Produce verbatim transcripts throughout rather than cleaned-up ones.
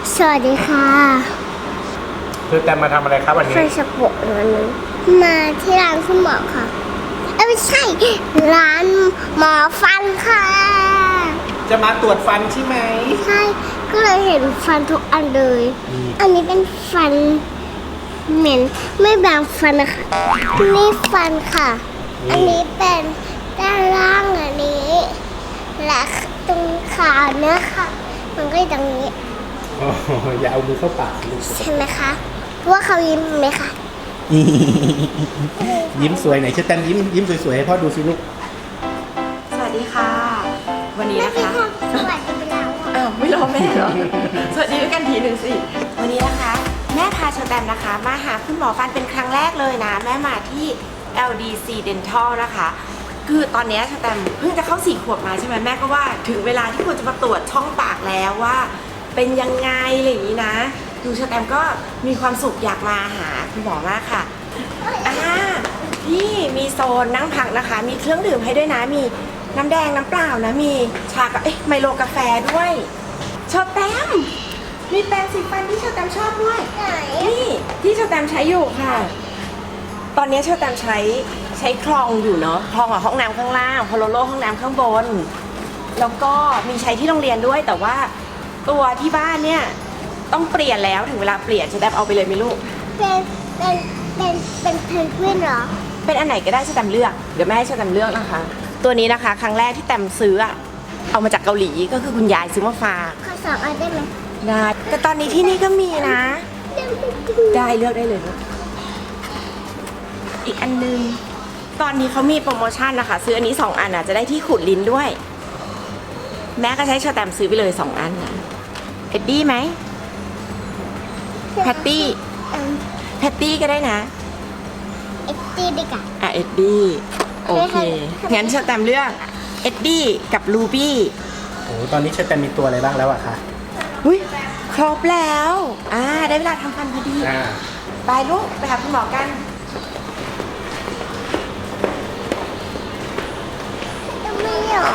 สวัสดีค่ะคือแต่มาทำอะไรครับวันนี้ไฟสปอร์ตวันนี้มาที่ร้านคุณหมอค่ะเอ้ยไม่ใช่ร้านหมอฟันค่ะจะมาตรวจฟันใช่ไหมใช่ก็เลยเห็นฟันทุกอันเลย อันนี้เป็นฟันเหม็นไม่แบ่งฟันนะคะนี่ฟันค่ะ อันนี้เป็นด้านล่างอันนี้และตรงขาเนื้อค่ะ มันก็อยู่ตรงนี้อ๋ออย่าเอามือเข้าปากลูกใช่ไหมคะว่าเขายิ้มไหมคะยิ้มสวยไหนเชิญแตมยิ้มยิ้มสวยๆให้พ่อดูสิลูกสวัสดีค่ะวันนี้นะคะสวัสดีไปแล้วอ้าวไม่รอแม่เหรอ สวัสดีด้วยกันทีหนึ่งสิวันนี้นะคะแม่พาเชอร์แตมนะคะมาหาคุณหมอฟันเป็นครั้งแรกเลยนะแม่มาที่ แอล ดี ซี Dental นะคะคือตอนนี้เชอร์แตมเพิ่งจะเข้าสี่ขวบมาใช่ไหมแม่ก็ว่าถึงเวลาที่ควรจะมาตรวจช่องปากแล้วว่าเป็นยังไงอะไรอย่างนี้นะดูเชอร์แตมก็มีความสุขอยากมาหาคุณหมอมากค่ะอ่านี่มีโซนนั่งพักนะคะมีเครื่องดื่มให้ด้วยนะมีน้ำแดงน้ำเปล่านะมีชากับเอ๊ะไมโลกาแฟด้วยเชอร์แตมมีแปรงสีฟันที่เชอร์แตมชอบด้วยนี่ที่เชอร์แตมใช้อยู่ค่ะตอนนี้เชอร์แตมใช้ใช้คลองอยู่เนาะคลองกับห้องน้ำข้างล่างพอโลโลห้องน้ำข้างบนแล้วก็มีใช้ที่โรงเรียนด้วยแต่ว่าตัวที่บ้านเนี่ยต้องเปลี่ยนแล้วถึงเวลาเปลี่ยนเชอร์แตมเอาไปเลยไหมลูกเป็นเป็นเป็นเป็นเพนกวินเหรอเป็นอันไหนก็ได้เชอร์แตมเลือกเดี๋ยวแม่ให้เชอร์แตมเลือกนะคะตัวนี้นะคะครั้งแรกที่แตมซื้อเอามาจากเกาหลีก็คือคุณยายซื้อมาฝากขอสองอันได้ไหมได้แต่ตอนนี้ที่นี่ก็มีนะได้เลือกได้เลยลูกอีกอันนึงตอนนี้เขามีโปรโมชั่นนะคะซื้ออันนี้สองอันอ่ะจะได้ที่ขูดลิ้นด้วยแม่ก็ใช้เชอร์แตมซื้อไปเลยสองอันนะเอ็ดดี้ไหมแพตตี้แพตตี้ก็ได้นะเอ็ดดี้ดีกว่าอ่ะเอ็ดดี้โอเคงั้นเชอร์แตมเลือกเอ็ดดี้กับลูบี้โอ้ตอนนี้เชิญแตมมีตัวอะไรบ้างแล้วอะคะอุ้ยครบแล้วอ่าได้เวลาทำฟันพอดีไปลูกไปหาคุณหมอกันไม่อยาก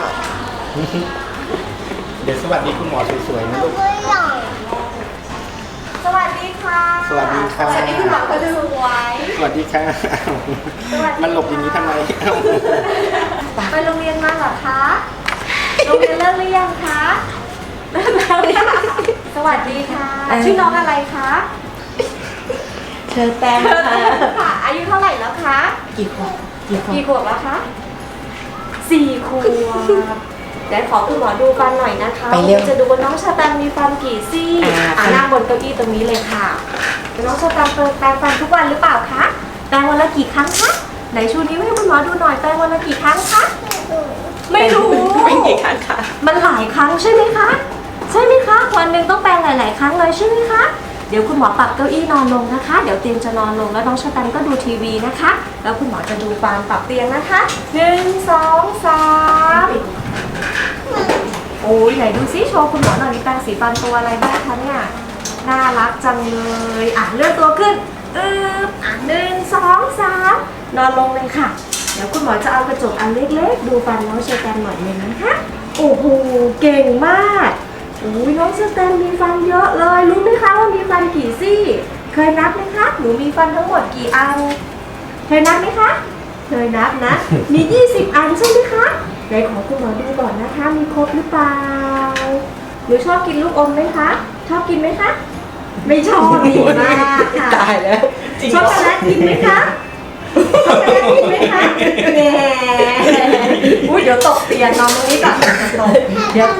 เดี๋ยวสวัสดีคุณหมอสวยๆนะลูกไม่อยากสวัสดีค่ะสวัสดีค่ะสวัสดีคุณหมอคนสวยสวัสดีค่ะมันหลบอย่างนี้ทำไมไปโรงเรียนมาเหรอคะโรงเรียนเลิกหรือยังคะเลิกแล้วสวัสดีค่ะชื่อน้องอะไรคะเชอร์แตมค่ะอายุเท่าไหร่แล้วคะกี่ขวบกี่ขวบกี่ขวบแล้วคะสี่ขวบเดี๋ยวขอคุณหมอดูฟันหน่อยนะคะจะดูว่าน้องเชอร์แตมมีฟันกี่ซี่อ่านั่งบนเก้าอี้ตรงนี้เลยค่ะน้องเชอร์แตมแปรงฟันทุกวันหรือเปล่าคะแปรงวันละกี่ครั้งคะไหนชูนิ้วให้คุณหมอดูหน่อยแปรงวันละกี่ครั้งคะไม่รู้เป็นกี่ครั้งคะมันหลายครั้งใช่ไหมคะใช่ไหมคะวันหนึ่งต้องแปรงหลายๆครั้งเลยใช่ไหมคะเดี๋ยวคุณหมอปรับเก้าอี้นอนลงนะคะเดี๋ยวเตียงจะนอนลงแล้วน้องเชอร์แตมก็ดูทีวีนะคะแล้วคุณหมอจะดูฟันปรับเตียงนะคะหนึ่งสองสามโอ้ยไหนดูซิโชว์คุณหมอหน่อยมีแปรงสีฟันตัวอะไรบ้างคะเนี่ยน่ารักจังเลยอ่ะเลื่อนตัวขึ้นอึ๊บอ่ะหนึ่งสองสามนอนลงเลยค่ะเดี๋ยวคุณหมอจะเอากระจกอันเล็กๆดูฟันน้องเชอร์แตมหน่อยนึงนะคะโอ้โหเก่งมากโอ้ยน้องเชอร์แตมมีฟันเยอะเลยรู้ไหมคะว่ามีฟันกี่ซี่เคยนับไหมคะหนูมีฟันทั้งหมดกี่อันเคยนับไหมคะเคยนับนะมียี่สิบอันใช่ไหมคะไหนขอคุณหมอดูก่อนนะคะมีครบหรือเปล่าหนูชอบกินลูกอมไหมคะชอบกินไหมคะไม่ชอบดีมากค่ะตายแล้วช็อกโกแลตกินไหมคะช็อกโกแลตกินไหมคะแหมอุ้ยเดี๋ยวตกเตียงนอนตรงนี้ก่อนตกเดี๋ยว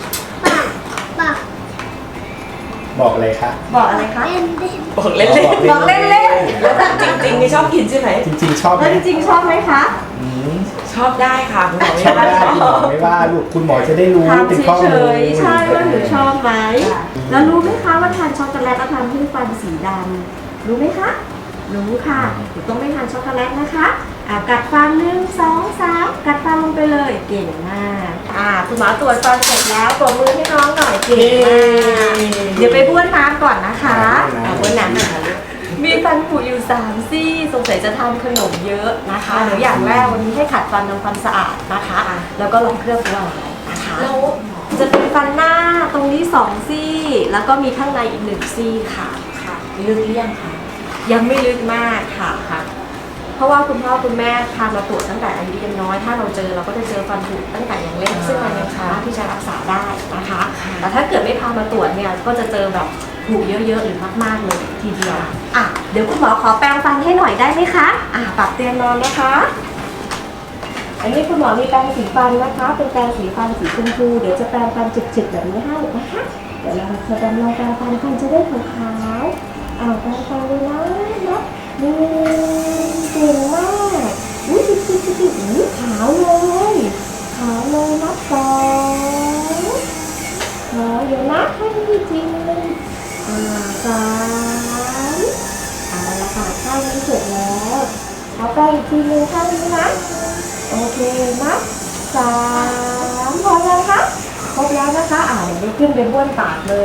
บอกอะไรคะบอกอะไรคะบอกเล่นๆบอกเล่นๆแล้วจริงๆนี่ชอบกินใช่ไหมจริงๆชอบไหมจริงๆชอบไหมคะชอบได้ค่ะคุณหมอชอบได้คุณหมอไม่ว่าลูกคุณหมอจะได้รู้เป็นข้อมูลใช่ว่าหนูชอบไหมแล้วรู้ไหมคะว่าทานช็อกโกแลตแล้วทำให้ฟันสีดำรู้ไหมคะรู้ค่ะหนูต้องไม่ทานช็อกโกแลตนะคะอ่ะกัดฟันหนึ่งสองสามกัดฟันลงไปเลยเก่งมากอ่าคุณหมอตรวจฟันเสร็จแล้วปรบมือให้น้องหน่อยเก่งมากเดี๋ยวไปบ้วนน้ำก่อนนะคะบ้วนน้ำนะคะมีฟันผุอยู่สามซี่สงสัยจะทานขนมเยอะนะคะเดี๋ยวอย่างแรกวันนี้ให้ขัดฟันทำความสะอาดนะคะแล้วก็ลองเคลือบฟลูออไรด์นะคะแล้วจะเป็นฟันหน้าตรงนี้สองซี่ แล้วก็มีข้างในอีกหนึ่งซี่ค่ะค่ะลึกหรือยังคะยังไม่ลึกมากค่ะค่ะ เพราะว่าคุณพ่อคุณแม่พามาตรวจตั้งแต่อายุยังน้อยถ้าเราเจอเราก็จะเจอฟันผุตั้งแต่ยังเล็กซึ่งมันยังสามารถที่จะรักษาได้นะคะแต่ถ้าเกิดไม่พามาตรวจเนี่ยก็จะเจอแบบผุเยอะๆหรือมากๆเลยทีเดียวอ่ะเดี๋ยวคุณหมอขอแปรงฟันให้หน่อยได้ไหมคะอ่ะปรับเตียงนอนนะคะอันนี้คุณหมอมีแปรงสีฟันนะคะเป็นแปรงสีฟันสีชมพูเดี๋ยวจะแปรงฟันจิกๆแบบนี้ให้นะคะเดี๋ยวเราจะดำลองแปรงฟันฟันจะได้ขาวๆอ่าแปรงฟันเลยนะนะนี่เก่งมากอุ้ยจิกจิกจิกจิกอุ้ยขาวเลยขาวเลยนับสองขอเดี๋ยวนับให้จริงเลยอ่าสามเอาละค่ะข้างนี้เสร็จแล้วเอาไปอีกทีนึงข้างนี้นะโอเคนับสามพอแล้วคะครบแล้วนะคะอ่าเดี๋ยวได้ขึ้นไปบ้วนปากเลย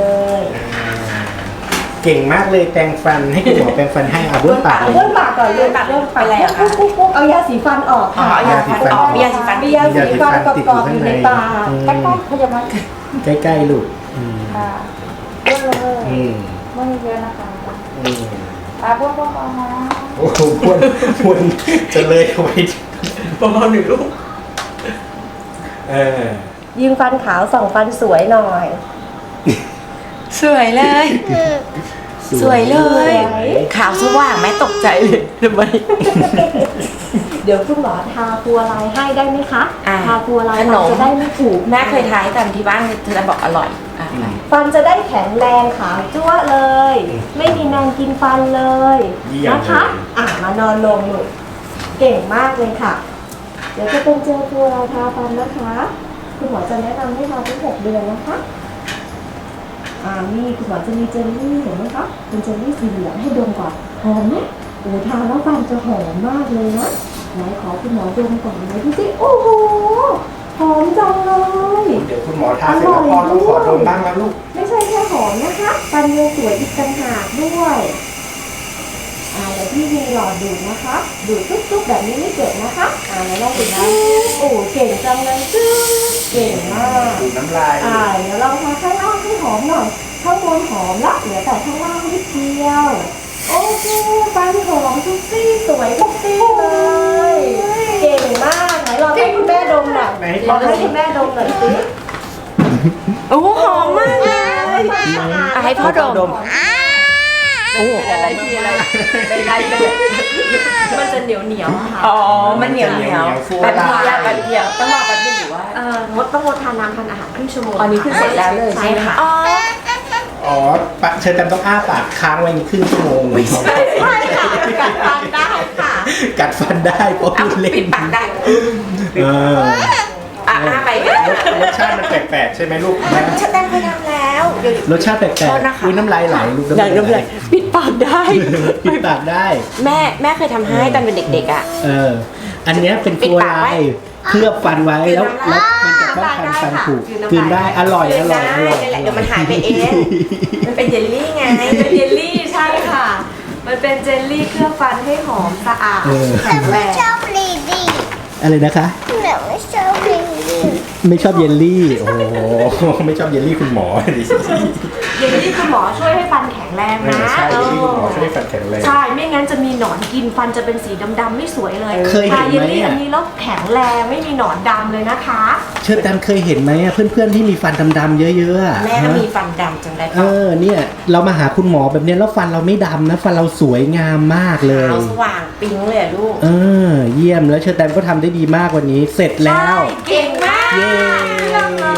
เก่งมากเลยแปรงฟันให้คุณหมอแปรงฟันให้อาบ้วนปากเลยบ้วนปากก่อนเลยปากเริ่มไปแล้วค่ะเอายาสีฟันออกค่ะเอายาสีฟันออกมียาสีฟันมียาสีฟันกรอบๆอยู่ในปากใกล้ๆพยาบาลใกล้ๆลูกอืมค่ะบ้วนเลยอืมบ้วนเยอะนะคะอืมอ่าบ้วนบ้วนๆนะโอ้โหพวนพวนจะเลยเอาไว้ประมาณหนึ่งลูกเออยิงฟันขาวส่องฟันสวยหน่อยสวยเลย สวยเลย ขาวสว่างแม่ตกใจเลยทำไมเดี๋ยวคุณหมอทาฟัวลายให้ได้ไหมคะอ่าทาฟัวลายขนมจะได้ไม่ผูกแม่เคยทายกันที่บ้านเธอบอกอร่อยอ่ะไปฟันจะได้แข็งแรงขาวจั๊วะเลย ไม่มีแมงกินฟันเลยเยี่ยมนะคะเลยอ่ะมานอนลงหนูเก่งมากเลยค่ะ เดี๋ยวจะเป็นเจลฟัวลายทาฟันนะคะคุณหมอจะแนะนำให้ทาทุกหกเดือนนะคะอ่านี่คุณหมอจะมีเจลลี่เห็นไหมคะเป็นเจลลี่สีเหลืองให้ดมก่อนหอมไหมโอ้ทาแล้วฟันจะหอมมากเลยนะไหนขอคุณหมอดมก่อนไหนดูสิโอ้โหหอมจังเลยเดี๋ยวคุณหมอทาเสร็จแล้วพ่อต้องขอดมบ้างนะลูกไม่ใช่แค่หอมนะคะฟันยังสวยอีกต่างหากด้วยอ่าเดี๋ยวพี่มีหลอดดูดนะคะ ดูดจุ๊บๆแบบนี้ไม่เจ็บนะคะอ่าแล้วลองดูนะโอ้เก่งจังเลยจื้อเก่งมากดูดน้ำลายอ่าเดี๋ยวเราทาข้างล่างให้หอมหน่อยข้างบนหอมละเหลือแต่ข้างล่างนิดเดียวโอเคฟันหอมทุกซี่สวยทุกซี่เลยเก่งมากไหนลองให้คุณแม่ดมหน่อยไหนลองให้คุณแม่ดมหน่อยสิโอ้หอมมากเลยอ่ะให้พ่อดม โอ้อะไรทีอะไรใดๆเลยมันจะเหนียวเหนียวๆค่ะอ๋อ มันเหนียวเหนียวแป๊บเดียวแป๊บเดียวต้องรอแป๊บเดียวหรือว่าเอ่องดต้องงดทานน้ำทานอาหารครึ่งชั่วโมงอันนี้คือเสร็จแล้วเลยใช่ไหมคะอ๋ออ๋อปะเชิญแตมต้องอ้าปากค้างไว้ครึ่งชั่วโมงไม่ใช่ใช่ค่ะกัดฟันได้ค่ะกัดฟันได้เพราะเอาพูดเล่นปิดปากได้เอออ่ะหน้าไปรสชาติมันแปลกๆใช่ไหมลูกนะฉันแต่งเคยทำแล้วเดี๋ยวรสชาติแปลกโทษนะคะๆอุ้ยน้ำลายไหลลูกไหนน้ำลายปิดปากได้ปิดปากได้แม่แม่เคยทำให้ตอนเป็นเด็กๆอ่ะเออ อันเนี้ยเป็นปิดตัวปากไว้ลายเคลือบฟันไว้แล้วแล้วมันจะป้องกันฟันผุกินได้อร่อยอร่อยอร่อยได้เดี๋ยวมันหายไปเอง มันเป็นเยลลี่ไงเป็นเยลลี่ใช่ค่ะ มันเป็นเจลลี่เคลือบฟันให้หอมสะอาดเออแข็งแรงชอบลีดี้อะไรนะคะหนูไม่ชอบลีดี้ไม่ชอบเยลลี่ โอ้โหไม่ชอบเยลลี่คุณหมอดิเยลลี่คุณหมอช่วยให้ฟันแข็งแรงเอนะอใช่เยลลี่คุณหมอช่วยให้ฟันแข็งแรงใช่ ไม่งั้นจะมีหนอนกินฟันจะเป็นสีดำๆไม่สวยเลยเคยเห็นไหมทาเยลลี่อ่ะอันนี้แล้วแข็งแรงไม่มีหนอนดำเลยนะคะเชิญแตมเคยเห็นไหมอะเพื่อนๆที่มีฟันดำๆเยอะๆอะแม่ก็ฮะมีฟันดำจังได้เอปะอเนี่ยเรามาหาคุณหมอแบบเนี้ยแล้วฟันเราไม่ดำนะฟันเราสวยงามมากเลยขาวสว่างปิ๊งเลยอะลูกเออเยี่ยมแล้วเชิญแตมก็ทำได้ดีมากวันนี้เสร็จแล้วเก่งมากเย้เยี่ยมเลย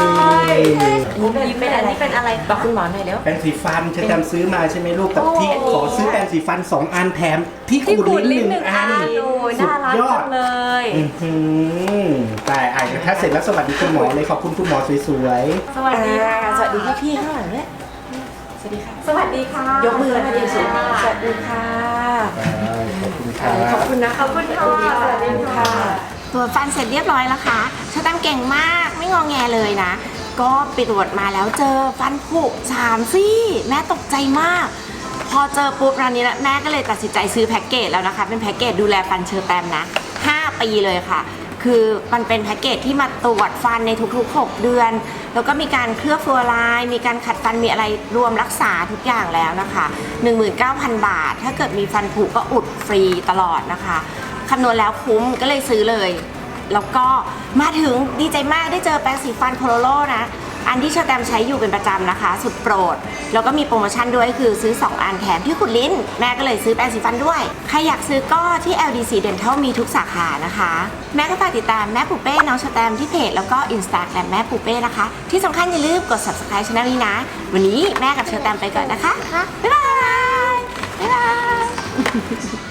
อันนี้เป็นอะไรเป็นอะไรบอกคุณหมอหน่อยเร็วแปรงสีฟันเชิญแตมซื้อมาใช่ไหมลูกกับที่โอ้ขอซื้อแปรงสีฟันสองอันแถมที่ขูดลิ้นหนึ่งอันโอ้ยสุน่าดรักยอจัดงเลยอื้อหือแต่อ่านถ้าเสร็จแล้วสวัสดีคุณหมอเลยขอบคุณคุณหมอสวยสวัสดีค่ะอ่าสวัสดีพี่พี่ๆข้างหลังเนี่ยสวัสดีค่ะสวัสดีค่ะยกมือมาดีสุดสวัสดีค่ะๆขอบคุณครัขอบบ คุณนะขอบคุณค่ะสวัสดีค่ะตรวจฟันเสร็จเรียบร้อยแล้วค่ะชาแตมเก่งมากไม่งอแงเลยนะ ก็ไปตรวจมาแล้วเจอฟันผุสามซี่แม่ตกใจมาก พอเจอปุ๊บร้านนี้แล้วแม่ก็เลยตัดสินใจซื้อแพ็กเกจแล้วนะคะ เป็นแพ็กเกจดูแลฟันเชอร์แตมนะห้าปีเลยค่ะคือมันเป็นแพ็กเกจที่มาตรวจฟันในทุกๆ หก เดือน แล้วก็มีการเคลือบฟลูออไรด์มีการขัดฟันมีอะไรรวมรักษาทุกอย่างแล้วนะคะ หนึ่งหมื่นเก้าพัน บาท ถ้าเกิดมีฟันผุก็อุดฟรีตลอดนะคะคำนวณแล้วคุ้มก็เลยซื้อเลย แล้วก็มาถึงดีใจมากได้เจอแปรงสีฟันโพโลโลนะอันที่เชอร์แตมใช้อยู่เป็นประจำนะคะ สุดโปรดแล้วก็มีโปรโมชั่นด้วยคือซื้อสองอันแถมที่ขุดลิ้นแม่ก็เลยซื้อแปรงสีฟันด้วยใครอยากซื้อก็ที่ แอล ดี ซี Dental มีทุกสาขานะคะแม่ก็ฝากติดตามแม่ปูเป้น้องเชอร์แตมที่เพจแล้วก็ Instagram แม่ปูเป้นะคะที่สำคัญอย่าลืมกด Subscribe ช่องนี้นะวันนี้แม่กับเชอร์แตมไปก่อนนะคะบ๊ายบายบ๊ายบาย